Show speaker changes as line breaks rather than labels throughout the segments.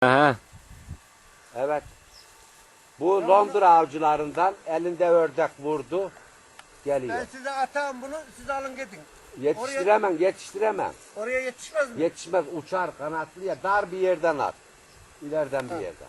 Aha.
Evet. Bu Londra avcılarından elinde ördek vurdu. Geliyor.
Ben size atayım bunu, siz alın gidin.
Yetiştiremem.
Oraya yetişmez mi?
Yetişmez, uçar kanatlı ya, dar bir yerden at. İleriden bir yerden.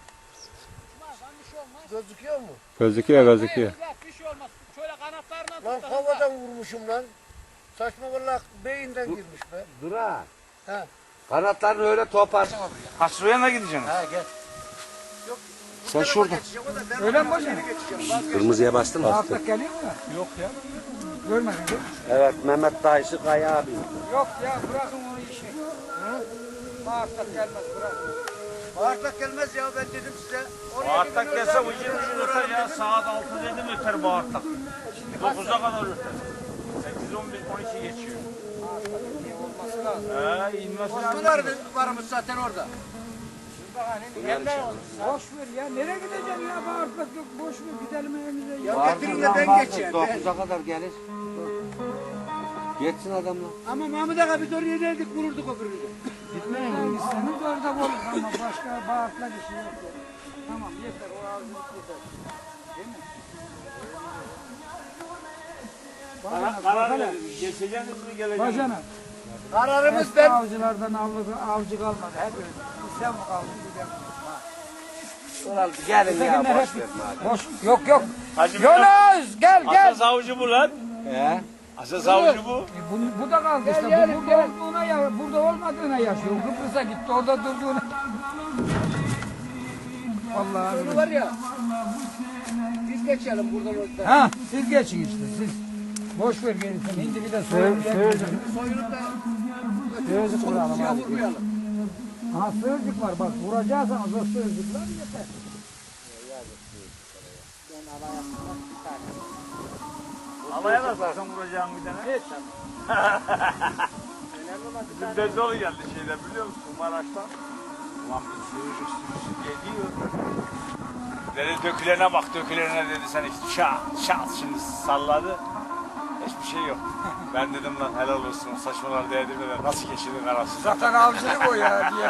Gözüküyor mu?
Gözüküyor.
Bir şey olmaz. Şöyle kanatlarına
Lan havadan vurmuşum lan. Saçma vallahi beyinden girmiş be.
Durar.
He.
Kanatlarını öyle topar.
Kasroya mı gideceksin?
Ha gel.
Sen şurada.
Öyle mi hocam?
Kırmızıya bastın mı?
Artık geliyor mu? Yok ya. Görmedin değil mi?
Evet, Mehmet dayısı Kaya abi.
Yok ya, bırakın onu işi. Bağırtak gelmez, bırakın. Bağırtak gelmez ya, ben dedim size.
Bağırtak gelse ucun öter ya. Saat 6 dedim öter bağırtak. 9'a kadar öter. 8, 11, 12 geçiyor.
Olması lazım.
İnmesi
Bunlar
lazım.
varmış zaten orada. Boş ver ya, nereye gideceksin ya, bağırtak yok, boş ver, gidelim evimize. Ya getirin de ben geçeyim.
9'a kadar gelir. Geçsin adamla.
Ama Mahmut Ağa biz oraya geldik, vururduk o birini.
Gitmeyin isterseniz orada olur ama başka bağırtla bir şey yok. Tamam yeter o ağzılık yeter. Değil mi?
Karar geçeceğiniz mi geleceğiniz?
Bacana.
Kararımız
Eski
ben.
avcılardan avcı kalmadı. Hep öyle. Sen mi kaldın gidelim.
Gelin ya,
Ötekiler
boş ver madem.
Boş. Yok.
Hacı
Yunus gel.
Asas avcı bu lan.
He?
Asas avcı bu.
Bu da kaldı işte. Bu burada olduğuna burada olmadığına yaşıyor. Kıbrıs'a gitti orada durduğuna. Vallahi.
Bunu var ya. Biz geçelim buradan orada.
Ha siz geçin işte siz. Boş ver gerisini. Hindi bir de soyup
Soyunup da
Sığırcık vuralım
suya
abi.
vurmayalım.
Aha sığırcık var bak vuracaksanız o sığırcıklar yeter.
Havaya da sarsan vuracağım bir tane. Bizim Dezoğlu geldi şeyden biliyor musun Maraş'tan? Ulan bir sürücü geliyor. Dedi dökülene bak dökülene dedi sen işte şat şimdi salladı. Hiçbir şey yok. Ben dedim lan helal olsun saçmalar değdirmeden nasıl geçirdin arası.
Zaten avcılık o ya diye.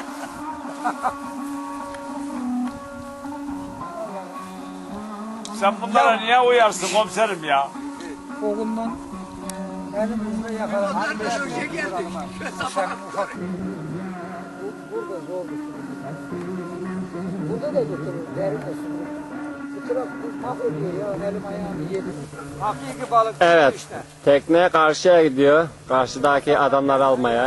Sen bunlara niye uyarsın komiserim ya?
Oğlundan elimizle yakaladık.
Onlar da şöyle geldik.
Sen ufak. Burada zor Burada da götürür. Derin olsun. Bu taraf mahvediyor ya. Elim ayağımı yedim. Hakiki balık
Evet.
işte.
Tekne karşıya gidiyor. Karşıdaki adamları almaya.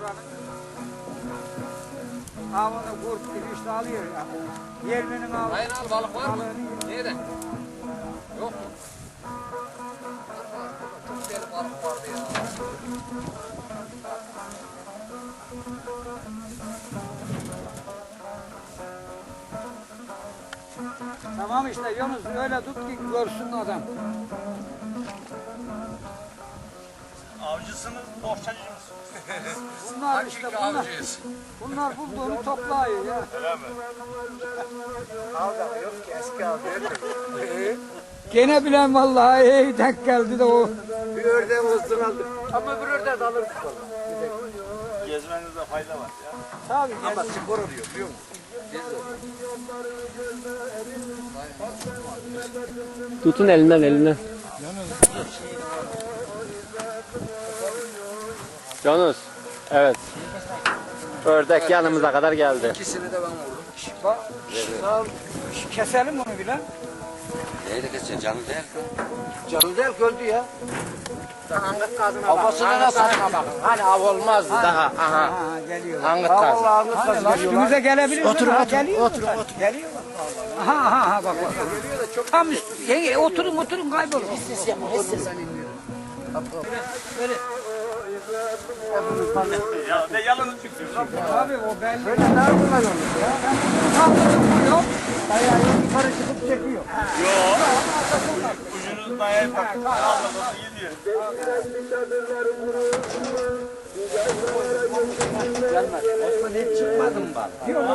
Avını kurt gibi işte alıyor ya. Yerminin avı.
Aynen abi balık var mı? Nerede? Yok mu? Çok deli balık vardı ya.
Tamam işte Yunus öyle tut ki görsün adam.
Avcısınız, bohçacı mısınız?
Bunlar işte bunlar bulduğunu toplayıyor ya.
Öyle mi?
Avda yok ki eski avda.
Gene bilen vallahi iyi denk geldi de o.
Bir ördeğin olsun aldık. Ama bir ördeği de alırdık valla.
Gezmenizde fayda var ya.
Tabii
Ama spor oluyor biliyor musun?
Tutun elinden. Yunus. Evet. Ördek yanımıza kadar geldi.
İkisini de ben vurdum.
bak. Sağ ol. Keselim onu bile.
Neyle geçeceksin, canı değil.
Canı değil öldü ya. Angıt kadına bak.
Kafasına da saçma bakın. Hani av olmazdı daha. Aha.
Ha geliyor.
Angıt kazı.
Angıt kazı
Üstümüze gelebilir. Otur. Geliyor.
Geliyor.
Ha bak. Tam üstü. Oturun kaybolun.
Ses yapma. Ses.
Ya ne yalanı çıkıyor.
Abi o belli.
Böyle ne yapıyorsun ya?
Vuruyor.
Ayağı yukarı çıkıp çekiyor.
Yok. Ucunu dayayıp bak. Allah'ım gidiyor.
Gelmez. Osman hiç çıkmadın bak.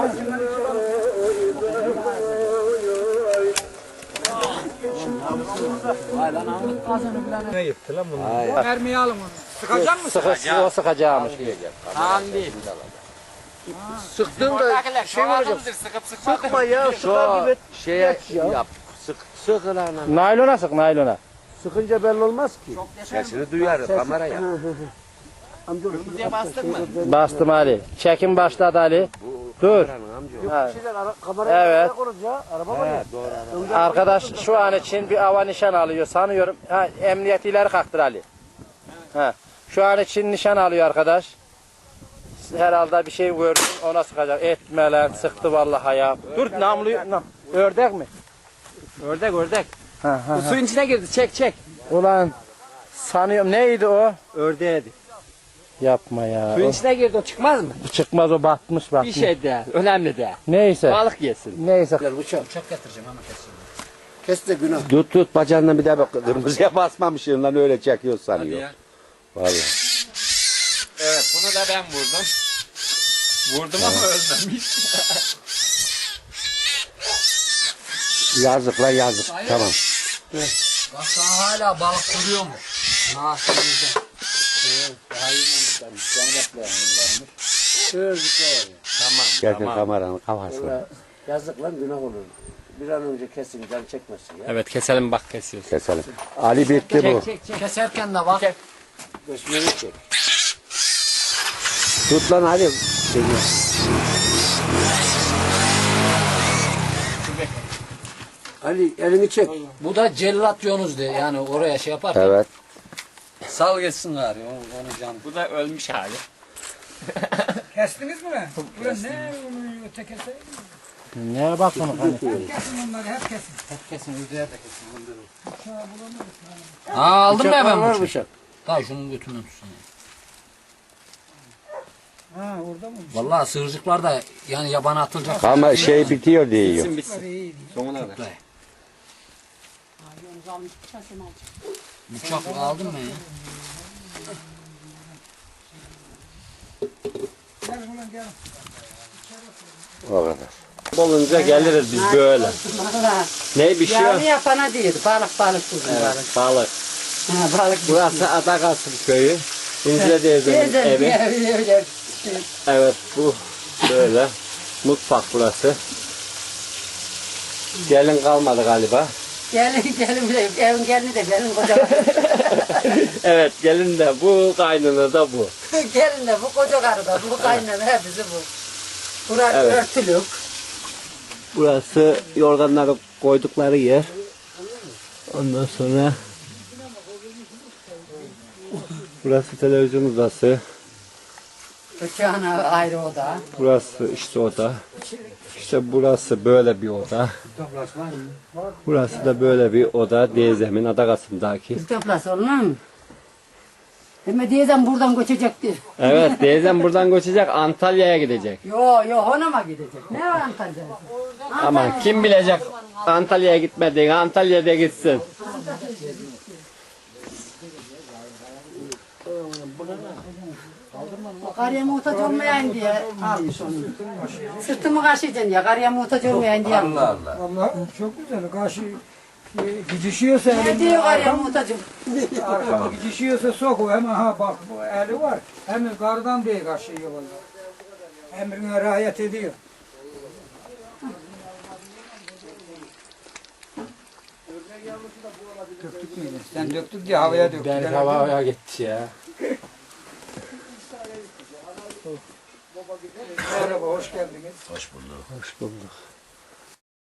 Lan Angıt kazını bilen.
Ne yıktı lan bunu?
Mermiyi alın onu. Sıkacak mısın?
O sıkacağımış.
Tamam değil. Sıktın da
Oradakiler
şey olacak.
çoğaldıdır, sıkıp sıkmadı.
Sıkma ya sıkar gibi. Şeye yap. Sık lan.
Naylona sık naylona.
Sıkınca belli olmaz ki. Sesini duyar kameraya.
Diye bastın mı?
Bastım Ali. Çekim başladı Ali. Dur. Ha. Evet.
Doğru.
Arkadaş şu an için bir ava nişan alıyor sanıyorum. Ha, emniyet ileri kalktır Ali. Ha. Şu an için nişan alıyor arkadaş. Herhalde bir şey gördüm ona sıkacak. Etme lan sıktı vallahi ya. Dur namluyu. Ördek mi? Ördek. Ha, ha,
Bu suyun içine girdi. Çek.
Ulan sanıyorum neydi o?
Ördeğiydi.
Yapma ya.
Suyun içine girdi o çıkmaz mı?
Çıkmaz o batmış.
Bir şey de. Önemli de.
Neyse.
Balık yesin.
Neyse.
Bıçak getireceğim ama kesin.
Kes de günah. Tut bacağından bir daha bak. Kırmızıya basmamışsın lan öyle çekiyor sanıyor.
ya.
Vallahi.
Evet bunu da ben vurdum. Vurdum ama ölmemiş.
Yazık lan yazık. Tamam.
Bak daha hala balık duruyormuş. Nasıl
Geldin kameranın kafasına.
Yazık lan günah olur. Bir an önce kesin can çekmesin ya.
Evet keselim bak kesiyoruz.
Keselim. Ali bitti bu.
Keserken de bak.
Göçmeni çek.
Tut lan Ali.
Ali elini çek.
Bu da cellat yonuz diye yani oraya şey yapar.
Evet.
Sal geçsin gari onu can.
Bu da ölmüş hali.
Kestiniz mi lan? Ulan ne öte keseyim?
Ne bak onu hani.
Kesin onları hep kesin.
Kesin ödeye de kesin. Aldım ben
Var
bunu.
bıçak.
Daha şunun götünden tutsun.
Ha orada mı?
Vallahi sığırcıklar da yani yabana atılacak.
Ama şey bitiyor diyor.
Bitsin bitsin. Sonuna kadar.
Bıçak aldım ben ya.
Gel ulan gel.
O kadar.
Olunca geliriz biz böyle.
Valla.
Ne bir şey
Yağlı
yok.
yapana değil. Balık kuzum balık.
Balık.
Ha, balık.
Burası Adakasım köyü. İncile teyzemin
Teyzem
evi.
öyle.
Evet bu böyle. Mutfak burası. Gelin kalmadı galiba.
Gelin evin gelini de benim koca.
Evet gelin de bu kaynını da bu.
Gelin de bu koca karı da bu kaynana hepsi bu. Burası
Evet.
örtülük.
Burası yorganları koydukları yer. Ondan sonra burası televizyon odası.
Bıçağına ayrı oda.
Burası işte oda. İşte burası böyle bir oda. Burası da böyle bir oda. Teyzemin Adakasım'daki.
İstoplası olmaz mı? Deme diyeceğim buradan göçecektir.
Evet teyzem buradan göçecek Antalya'ya gidecek.
Yo Honam'a gidecek. Ne var Antalya'da?
Aman kim bilecek Antalya'ya gitmediğini, Antalya'da gitsin.
Karıya muhtaç olmayayım diye almış onu. Sırtımı kaşıyacaksın ya, karıya muhtaç olmayayım diye almış.
Allah çok güzel. Karşı gidişiyorsa
Ne diyor karıya muhtacım?
arkada gidişiyorsa sok o hemen ha bak bu eli var. Hemen kardan diye karşıyıyor vallahi. Emrine riayet ediyor. Döktük müydü? Sen döktük diye havaya döktük.
Ben havaya gitti ya.
Merhaba, hoş geldiniz.
Hoş bulduk.